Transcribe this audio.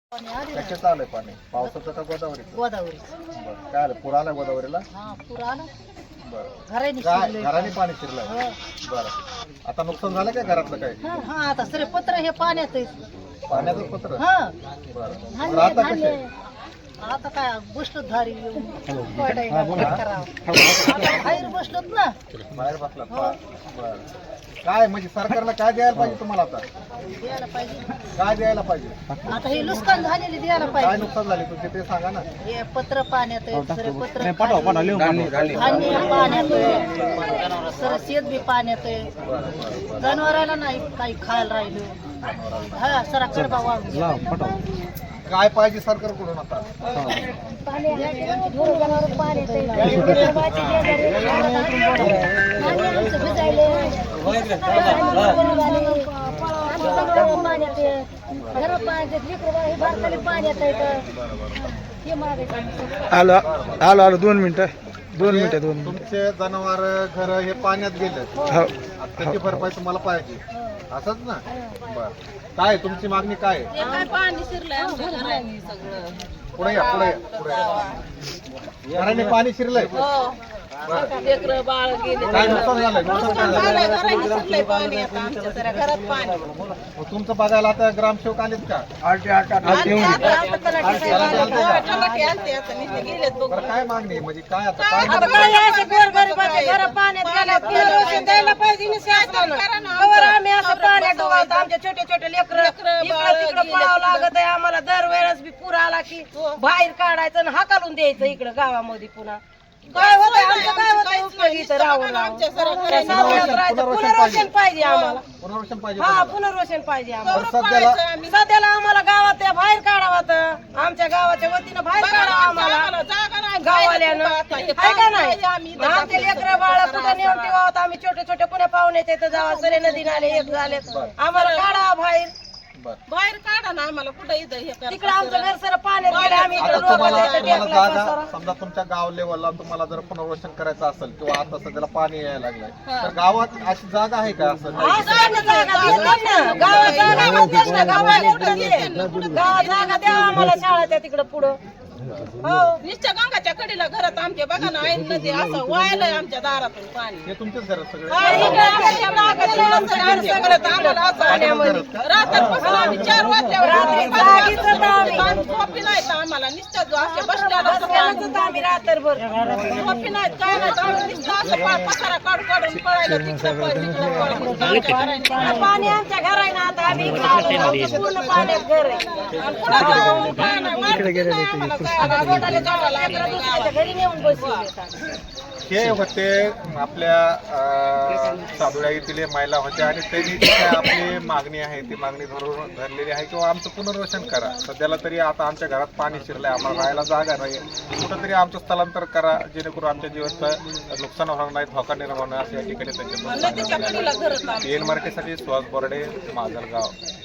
कशाचं आलंय पाणी? पावसाचं का गोदावरीचं? गोदावरी. बरं. काय आलं? पूर आलाय गोदावरीला? हा पूर आला. बरं. घराने काय शिरलंय घराने पाणी शिरलंय? हो. बरं. आता नुकसान झालं काय घरातलं काय? हा आता सरे पत्र हे पाण्यात आहे. पाण्याचं पत्र? हा बरं. बरं, आता कसे? आता काय बसलो धारी येऊन पडायला काय करावं. आता बाहेर बसलोत ना. बाहेर बसला. बरं. काय म्हणजे सरकारला काय द्यायला पाहिजे तुम्हाला आता? द्यायला पाहिजे. काय द्यायला पाहिजे? आता हे नुकसान झालेले द्यायला काय पाहिजे. नुकसान झाले तुमचे ते सांगा ना. हे पत्र पाण्यात आहे, सरे पत्र धान्य पाण्यात आहे, सर शेत बी पाण्यात आहे. जनावराला नाही काही खायला राहिलं. हा सरा कडबा वाळून काय पाहिजे सरकारकडून आता? आलो आलो आलो 2 मिनिटं 2 मिनिटं 2 मिनिटं. तुमचे जनावर घर हे पाण्यात गेले. हो त्याची भरपाई तुम्हाला पाहिजे असंच ना? बर. काय तुमची मागणी काय आहे? काय पाणी शिरलंय आमच्या घराने सगळं. पुढे या पुढे या पुढे या. घराने पाणी शिरलंय. लेकरं बाळ गेले. काय नुकसान झालंय? नुकसान काय झालंय? घराने शिरलंय पाणी आता आमच्या सगळ्या घरात पाणी. मग तुमचं बघायला आता ग्रामसेवक आलेत का? बरं, काय मागणी आहे? म्हणजे काय आता काय आता काय असे गोरगरिबाचे घर पाण्यात गेल्यात, पुनर्वसन द्यायला पाहिजे ना शासनानं. कवर आम्ही असं पाण्यात डुबावतो, आमचे छोटे छोटे लेकरं इकडं तिकडं पळावं लागत आहे आम्हाला. दरवेळेस बी पूर आला की बाहेर काढायचं आणि हाकालून द्यायचं इकडं गावामध्ये. पुन्हा काय होतंय आमचं? काय होतंय उपयोगी इथं राहून पुनर्वसन पाहिजे आम्हाला. पुनर्वसन पाहिजे हा तुम्हाला? पुनर्वसन पाहिजे बरं, आम्हाला. सध्याला आम्हाला गावात त्या बाहेर काढावं, आमच्या गावाच्या वतीनं बाहेर काढावं आम्हाला गावाल्यानं. आहे का नाही? आमचे लेकरं बाळ कुठं नेऊन ठेवावं. आम्ही छोटे छोटे पुण्या पाहुण्याच्या इथं जावा सरे नदी नाले एक झाले. आम्हाला काढावं बाहेर. बरं. बाहेर काढा ना आम्हाला. कुठं इथं तिकडं आमचं घर सर पाण्यात गेलं. आम्ही आता इकडं तुम्हाला रोगाचं तुम्हाला टेकलं जागा पसारा. समजा तुमच्या गाव लेवलला तुम्हाला जर पुनर्वसन करायचं असेल किंवा आता सध्याला पाणी यायला लागलंय तर गावात अशी जागा आहे का? असं नाही. असं ना जागा देतात ना. गावात जागा म्हणतेच ना. गावाला कुठं दे. गावात जागा द्या आम्हाला शाळाच्या तिकडं पुढं. हो निश्चय गंगाच्या कडेला घरात आमच्या बघा ना ऐन नदी असं वायलंय आमच्या दारातून पाणी. हे तुमचेच घर सगळे? रात्रपासून आम्ही 4 वाजल्यावर झोपी नाहीत आम्हाला. नुसतं असे बसल्याला आम्ही रात्रभर झोपी नाहीत काय नाही. आम्ही नुसतं असं पसारा काढून पळायला तिकडं पाणी आमच्या घर आहे ना. आता आम्ही पूर्ण पाण्यात घर आहे. घरी नेऊन बसले. हे होते आपल्या सादुळ्या येथील महिला होत्या आणि त्यांनी जी काय आपली मागणी आहे ती मागणी धरलेली आहे किंवा आमचं पुनर्वसन करा. सध्याला तरी आता आमच्या घरात पाणी शिरलंय, आम्हाला राहायला जागा नाही, कुठंतरी आमचं स्थलांतर करा जेणेकरून आमच्या जीवाचं नुकसान होणार नाही, धोका निर्माण होणार असं या ठिकाणी त्यांच्या. एन मराठीसाठी सुहास बोर्डे, माजलगाव.